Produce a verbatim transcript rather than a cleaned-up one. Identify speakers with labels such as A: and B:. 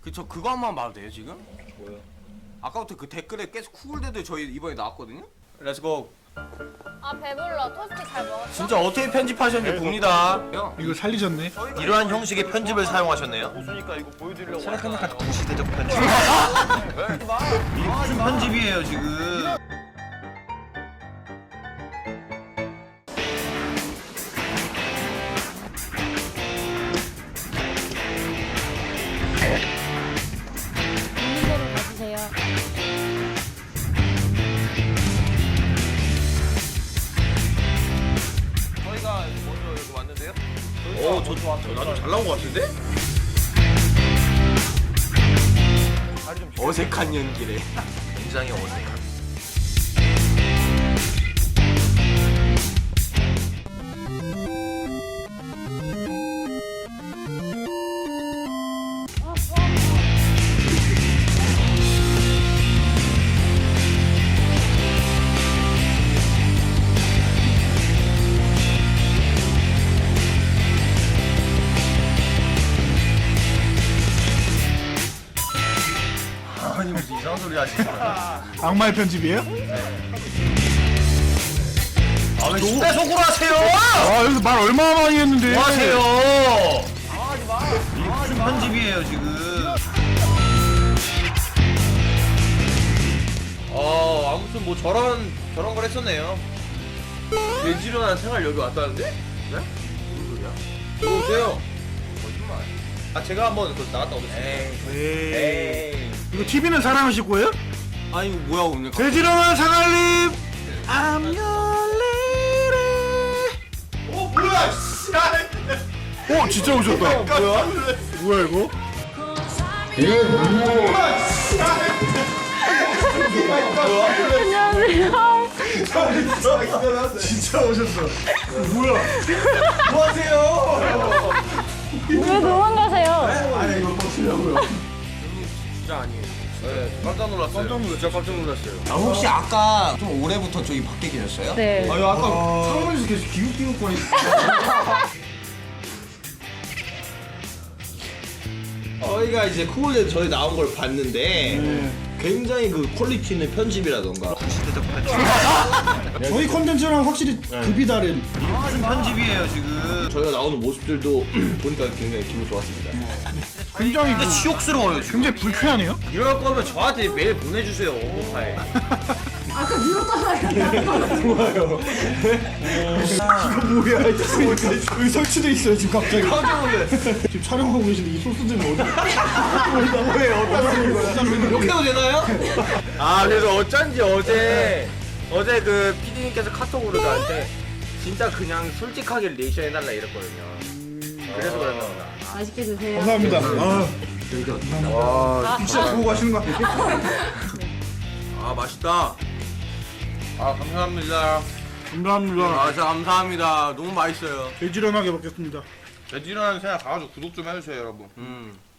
A: 그쵸, 그거 한 번 봐도 돼요 지금?
B: 뭐요?
A: 아까부터 그 댓글에 계속 쿠글데드 저희 이번에 나왔거든요? 렛츠고.
C: 아 배불러. 토스트 잘 먹었어?
A: 진짜 어떻게 편집하셨는지 봅니다.
D: 이걸 살리셨네.
B: 이러한 형식의 편집을 사용하셨네요.
E: 웃으니까 이거 보여드리려고.
B: 생각하니까 동시대적 편집. 이게 무슨 편집이에요 지금?
C: 있는 대로 가주세요.
E: 저희가 먼저 여기 왔는데요.
B: 오, 저, 저 나도 잘 나온 것 같은데?
A: 어색한 연기래.
B: 굉장히 어색한. 아니 무슨 이상한 소리 하시잖아.
D: 악마의 편집이에요?
B: 아왜 진짜 속으로 하세요?
D: 아 여기서 말 얼마나 많이 했는데.
B: 뭐 하세요? 이게 무슨 편집이에요 지금? 어 아무튼 뭐 저런 저런 걸 했었네요. 돼지런한 생활 여기 왔다는데? 네? 무슨 소리야? 들어오세요. 거짓말. 아 제가 한번 그 나갔다 오겠습니다.
D: 에이.
B: 에이.
D: 이거 티비는 사랑하실 거예요?
A: 아니 이거 뭐야 오늘?
D: 돼지런한 상알님. I'm your lady.
B: 어 뭐야 씨.
D: 어 진짜 오셨다.
B: 뭐야?
D: 뭐야 이거?
C: 안녕하세요.
D: 진짜 오셨어. 뭐야?
B: 뭐 하세요?
C: 왜 도망가세요?
D: 아니 이거 버티려고요.
A: 진짜 아니에요.
B: 네 깜짝 놀랐어요. 깜짝 놀랐어요. 진짜 깜짝 놀랐어요.
A: 아, 혹시 아까 좀 올해부터 저기 밖에 계셨어요?
C: 네.
A: 아유 아까 창문에서 계속 기웃기웃거리.
B: 저희가 이제 쿠글에 저희 나온 걸 봤는데 굉장히 그 퀄리티 있는 편집이라던가 시대적 편집.
D: 저희 컨텐츠랑 확실히 급이 다른.
B: 무슨 편집이에요 지금? 저희가 나오는 모습들도 보니까 굉장히 기분 좋았습니다.
D: 굉장히
B: 근데
D: 그,
B: 치욕스러워요 지금.
D: 굉장히 불쾌하네요.
B: 이럴 거면 저한테 메일 보내주세요 오파에.
D: 뭐야? 여기 설치돼 있어요 지금 갑자기.
B: 깜짝 놀랐어요.
D: 지금 촬영하고 계신데 이 소스들은 어디? 뭐예요? 어디다 쓰는 거야?
B: 욕해도 되나요?
A: 아 그래서 어쩐지 어제 어제 그 피디님께서 카톡으로 저한테 진짜 그냥 솔직하게 리액션 해달라 이랬거든요. 그래서 그랬나 보다.
C: 맛있게 드세요.
D: 감사합니다. 아,
A: 와
D: 진짜 보고 가시는 거 아니에요?
A: 아 맛있다.
B: 아 감사합니다.
D: 감사합니다.
A: 아 진짜 감사합니다. 너무 맛있어요.
D: 돼지런하게 먹겠습니다.
B: 돼지런한 생각 가가지고 구독 좀 해주세요 여러분.
A: 음.